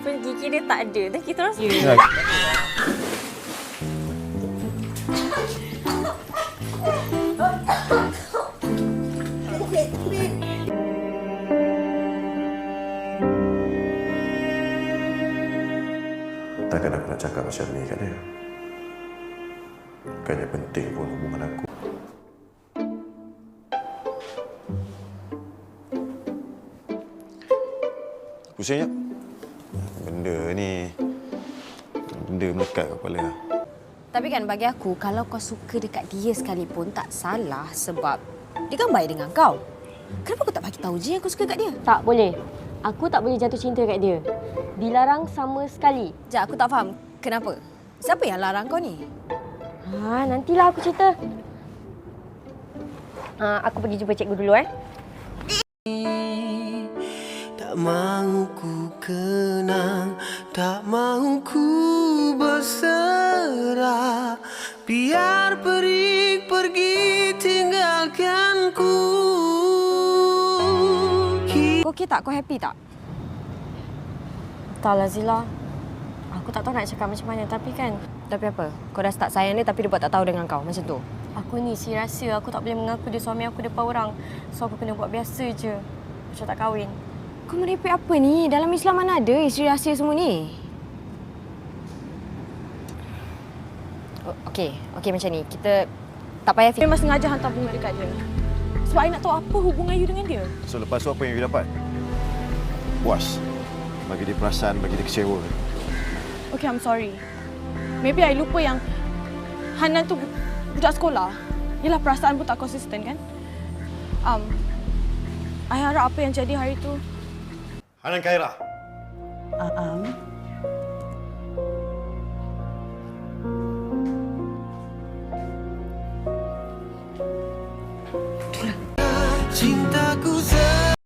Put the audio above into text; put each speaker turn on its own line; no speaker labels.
Walaupun gigi dia tak ada, dan kita orang suka.
Ya.
Takkan aku nak cakap macam ni kat dia. Bukannya penting pun hubungan aku. Pusing tak? Benda ni, benda melekat kat kepala.
Tapi kan bagi aku, kalau kau suka dekat dia sekalipun, tak salah sebab dia kan baik dengan kau. Kenapa kau tak bagi tahu je aku suka kat dia?
Tak boleh. Aku tak boleh jatuh cinta kat dia. Dilarang sama sekali.
Sekejap, aku tak faham. Kenapa? Siapa yang larang kau ni?
Nantilah aku cerita. Aku pergi jumpa cikgu dulu,
Tak mahu ku kenang, tak mahu ku berserah. Biar pergi tinggalkanku.
Kau okey tak? Kau happy tak?
Entahlah Zila. Aku tak tahu nak cakap macam mana tapi kan.
Tapi apa? Kau dah start sayang dia tapi dia buat tak tahu dengan kau. Macam tu?
Aku ni si rahsia. Aku tak boleh mengaku dia suami aku depan orang. So aku kena buat biasa je. Macam tak kahwin.
Kau merepek apa ni? Dalam Islam mana ada isteri rahsia semua ni? Okey macam ni. Kita tak payah fikir.
Memang sengaja hantar bunga dekat dia. Sebab I nak tahu apa hubungan you dengan dia.
So lepas tu apa yang you dapat? Puas. Bagi dia perasaan, bagi dia kecewa.
Okay, I'm sorry. Maybe I lupa yang Hanan tu budak sekolah. Yelah, perasaan pun tak konsisten kan? I harap apa yang jadi hari tu.
Hanan Khaira.
Cintaku